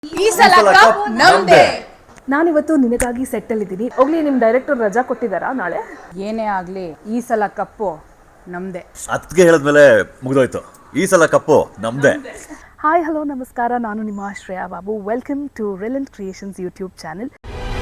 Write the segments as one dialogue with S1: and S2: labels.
S1: ಈ ಸಲ ಕಪ್ ನಮ್ದೇ.
S2: ನಾನಿವತ್ತು ನಿನಗಾಗಿ ಸೆಟ್ಟಲ್ಲಿದ್ದೀನಿ. ಹೋಗ್ಲಿ, ನಿಮ್ಮ ಡೈರೆಕ್ಟರ್ ರಜಾ ಕೊಟ್ಟಿದ್ದಾರಾ ನಾಳೆ?
S1: ಏನೇ ಆಗಲಿ ಈ ಸಲ ಕಪ್ಪು ನಮ್ದೇ.
S3: ಅದಕ್ಕೆ ಹೇಳಿದ್ಮೇಲೆ ಮುಗಿದೋಯ್ತು. ಈ ಸಲ ಕಪ್ಪು ನಮ್ದೇ.
S2: ಹಾಯ್, ಹಲೋ, ನಮಸ್ಕಾರ. ನಾನು ನಿಮ್ಮ Shreya Babu. Welcome to Relent Creations YouTube channel.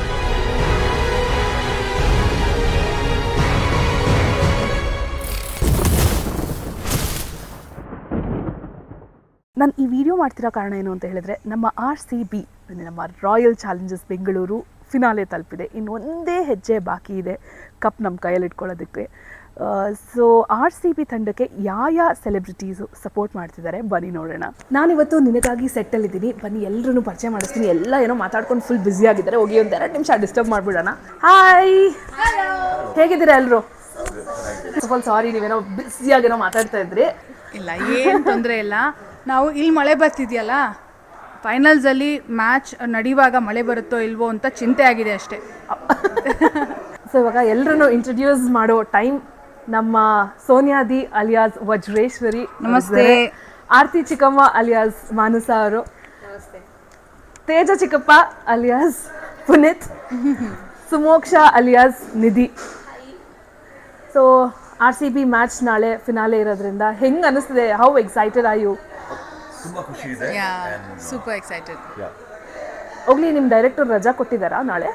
S2: ನಾನು ಈ ವಿಡಿಯೋ ಮಾಡ್ತಿರೋ ಕಾರಣ ಏನು ಅಂತ ಹೇಳಿದ್ರೆ, ನಮ್ಮ RCB ನಮ್ಮ ರಾಯಲ್ ಚಾಲೆಂಜರ್ಸ್ ಬೆಂಗಳೂರು ಫಿನಾಲೆ ತಲುಪಿದೆ. ಇನ್ನು ಒಂದೇ ಹೆಜ್ಜೆ ಬಾಕಿ ಇದೆ ಕಪ್ ನಮ್ಮ ಕೈಯಲ್ಲಿ ಇಟ್ಕೊಳ್ಳೋದಕ್ಕೆ. ಸೊ RCB ತಂಡಕ್ಕೆ ಯಾವ ಸೆಲೆಬ್ರಿಟೀಸು ಸಪೋರ್ಟ್ ಮಾಡ್ತಿದ್ದಾರೆ ಬನ್ನಿ ನೋಡೋಣ. ನಾನಿವತ್ತು ನಿನಗಾಗಿ ಸೆಟ್ಟಲ್ಲಿದ್ದೀನಿ. ಬನ್ನಿ ಎಲ್ಲರೂ ಪರಿಚಯ ಮಾಡಿಸ್ತೀನಿ. ಎಲ್ಲ ಏನೋ ಮಾತಾಡ್ಕೊಂಡು ಫುಲ್ ಬ್ಯುಸಿ ಆಗಿದ್ದಾರೆ. ಹೋಗಿ ಒಂದು 2 ನಿಮಿಷ ಡಿಸ್ಟರ್ಬ್ ಮಾಡಿಬಿಡೋಣ. ಹಾಯ್, ಹೇಗಿದ್ದೀರಾ ಎಲ್ಲರೂ? ಸ್ವಲ್ಪ ಸಾರಿ, ನೀವೇನೋ ಬ್ಯುಸಿಯಾಗೇನೋ ಮಾತಾಡ್ತಾ ಇದ್ರಿ.
S1: ಇಲ್ಲ, ಏನು ತೊಂದರೆ ಇಲ್ಲ. ನಾವು ಇಲ್ಲಿ ಮಳೆ ಬರ್ತಿದೆಯಲ್ಲ, ಫೈನಲ್ಸಲ್ಲಿ ಮ್ಯಾಚ್ ನಡೆಯುವಾಗ ಮಳೆ ಬರುತ್ತೋ ಇಲ್ವೋ ಅಂತ ಚಿಂತೆ ಆಗಿದೆ ಅಷ್ಟೇ.
S2: ಸೊ ಇವಾಗ ಎಲ್ಲರೂ ಇಂಟ್ರೊಡ್ಯೂಸ್ ಮಾಡೋ ಟೈಮ್. ನಮ್ಮ ಸೋನಿಯಾದಿ ಅಲಿಯಾಸ್ ವಜ್ರೇಶ್ವರಿ
S1: ನಮಸ್ತೆ.
S2: ಆರ್ತಿ ಚಿಕ್ಕಮ್ಮ ಅಲಿಯಾಸ್ ಮಾನಸ ಅವರು, ತೇಜ ಚಿಕ್ಕಪ್ಪ alias Puneeth, Sumoksha alias Nidhi. So RCB match ನಾಳೆ ಫಿನಾಲೆ ಇರೋದ್ರಿಂದ ಹೆಂಗೆ ಅನಿಸ್ತಿದೆ? How excited are you?
S3: ತುಂಬಾ ಖುಷಿ ಇದೆ.
S1: Super excited.
S2: ಹೋಗ್ಲಿ, ನಿಮ್ಮ ಡೈರೆಕ್ಟರ್ ರಜಾ ಕೊಟ್ಟಿದ್ದಾರಾ ನಾಳೆ?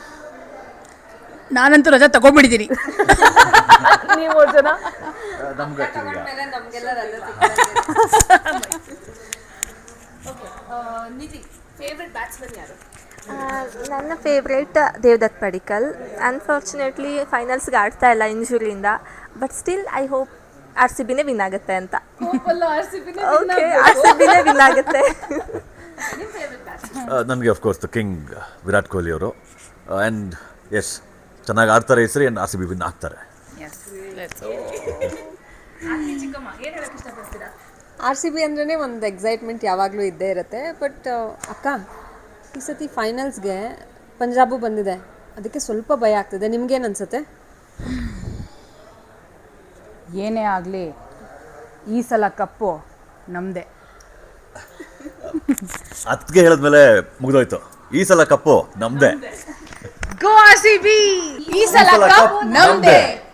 S1: ನಾನಂತೂ ರಜಾ ತಗೊಂಡ್ಬಿಟ್ಟಿದ್ದೀನಿ.
S2: ನೀವು ಜನ
S4: ನನ್ನ ಫೇವ್ರೇಟ್ ದೇವದತ್ ಪಡಿಕಲ್. ಅನ್ಫಾರ್ಚುನೇಟ್ಲಿ ಫೈನಲ್ಸ್ಗೆ ಆಡ್ತಾ ಇಲ್ಲ ಇಂಜುರಿಯಿಂದ. ಬಟ್ ಸ್ಟಿಲ್ ಐ ಹೋಪ್ RCBನೇ ವಿನ್ ಆಗುತ್ತೆ ಅಂತ. ಓಕೆ, RCBನೇ ವಿನ್ ಆಗುತ್ತೆ.
S3: ನನಗೆ of course the king Virat Kohli ಅವರು. ಆ್ಯಂಡ್ ಎಸ್, ಚೆನ್ನಾಗಿ ಆಡ್ತಾರೆ ಈ ಸರಿ. ಆ್ಯಂಡ್ RCB ವಿನ್ ಆಗ್ತಾರೆ.
S5: RCB ಅಂದ್ರೇ ಒಂದು ಎಕ್ಸೈಟ್ಮೆಂಟ್ ಯಾವಾಗಲೂ ಇದ್ದೇ ಇರುತ್ತೆ. ಬಟ್ ಅಕ್ಕ, ಈ ಸತಿ ಫೈನಲ್ಸ್ಗೆ ಪಂಜಾಬು ಬಂದಿದೆ, ಅದಕ್ಕೆ ಸ್ವಲ್ಪ ಭಯ ಆಗ್ತಿದೆ. ನಿಮ್ಗೇನು ಅನ್ಸುತ್ತೆ?
S1: ಏನೇ ಆಗಲಿ ಈ ಸಲ ಕಪ್ಪು ನಮ್ದೇ.
S3: ಅದಕ್ಕೆ ಹೇಳಿದ್ಮೇಲೆ ಮುಗಿದೋಯ್ತು. ಈ ಸಲ ಕಪ್ಪು ನಮ್ದೇ.
S1: ಗೋ RCB! ಈ ಸಲ ಕಪ್ ನಮ್ದೇ.